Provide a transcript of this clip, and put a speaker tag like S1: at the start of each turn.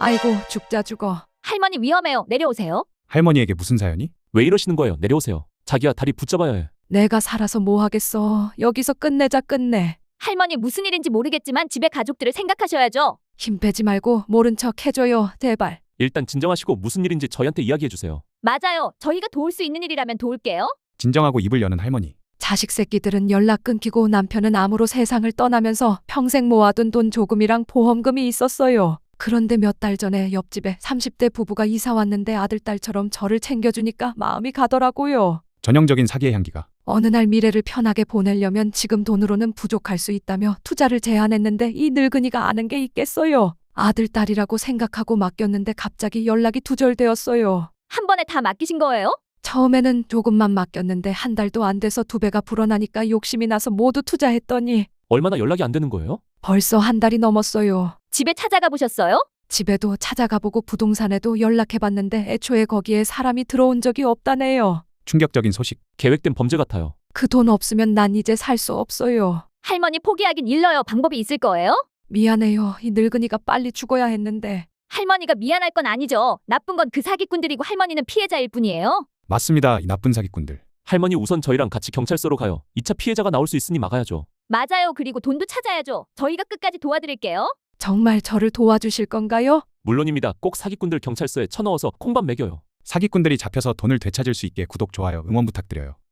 S1: 아이고 죽자 죽어.
S2: 할머니 위험해요. 내려오세요.
S3: 할머니에게 무슨 사연이?
S4: 왜 이러시는 거예요? 내려오세요. 자기야, 다리 붙잡아야 해.
S1: 내가 살아서 뭐 하겠어. 여기서 끝내자 끝내.
S2: 할머니 무슨 일인지 모르겠지만 집에 가족들을 생각하셔야죠.
S1: 힘 빼지 말고 모른 척 해줘요. 제발.
S4: 일단 진정하시고 무슨 일인지 저희한테 이야기해 주세요.
S2: 맞아요. 저희가 도울 수 있는 일이라면 도울게요.
S3: 진정하고 입을 여는 할머니.
S1: 자식 새끼들은 연락 끊기고 남편은 암으로 세상을 떠나면서 평생 모아둔 돈 조금이랑 보험금이 있었어요. 그런데 몇 달 전에 옆집에 30대 부부가 이사 왔는데 아들딸처럼 저를 챙겨주니까 마음이 가더라고요.
S3: 전형적인 사기의 향기가.
S1: 어느 날 미래를 편하게 보내려면 지금 돈으로는 부족할 수 있다며 투자를 제안했는데 이 늙은이가 아는 게 있겠어요. 아들, 딸이라고 생각하고 맡겼는데 갑자기 연락이 두절되었어요.
S2: 한 번에 다 맡기신 거예요?
S1: 처음에는 조금만 맡겼는데 한 달도 안 돼서 두 배가 불어나니까 욕심이 나서 모두 투자했더니
S4: 얼마나 연락이 안 되는 거예요?
S1: 벌써 한 달이 넘었어요.
S2: 집에 찾아가 보셨어요?
S1: 집에도 찾아가보고 부동산에도 연락해봤는데 애초에 거기에 사람이 들어온 적이 없다네요.
S3: 충격적인 소식.
S4: 계획된 범죄 같아요.
S1: 그 돈 없으면 난 이제 살 수 없어요.
S2: 할머니 포기하긴 일러요. 방법이 있을 거예요?
S1: 미안해요. 이 늙은이가 빨리 죽어야 했는데.
S2: 할머니가 미안할 건 아니죠. 나쁜 건 그 사기꾼들이고 할머니는 피해자일 뿐이에요.
S3: 맞습니다. 이 나쁜 사기꾼들.
S4: 할머니 우선 저희랑 같이 경찰서로 가요. 2차 피해자가 나올 수 있으니 막아야죠.
S2: 맞아요. 그리고 돈도 찾아야죠. 저희가 끝까지 도와드릴게요.
S1: 정말 저를 도와주실 건가요?
S4: 물론입니다. 꼭 사기꾼들 경찰서에 쳐넣어서 콩밥 먹여요.
S3: 사기꾼들이 잡혀서 돈을 되찾을 수 있게 구독, 좋아요, 응원 부탁드려요.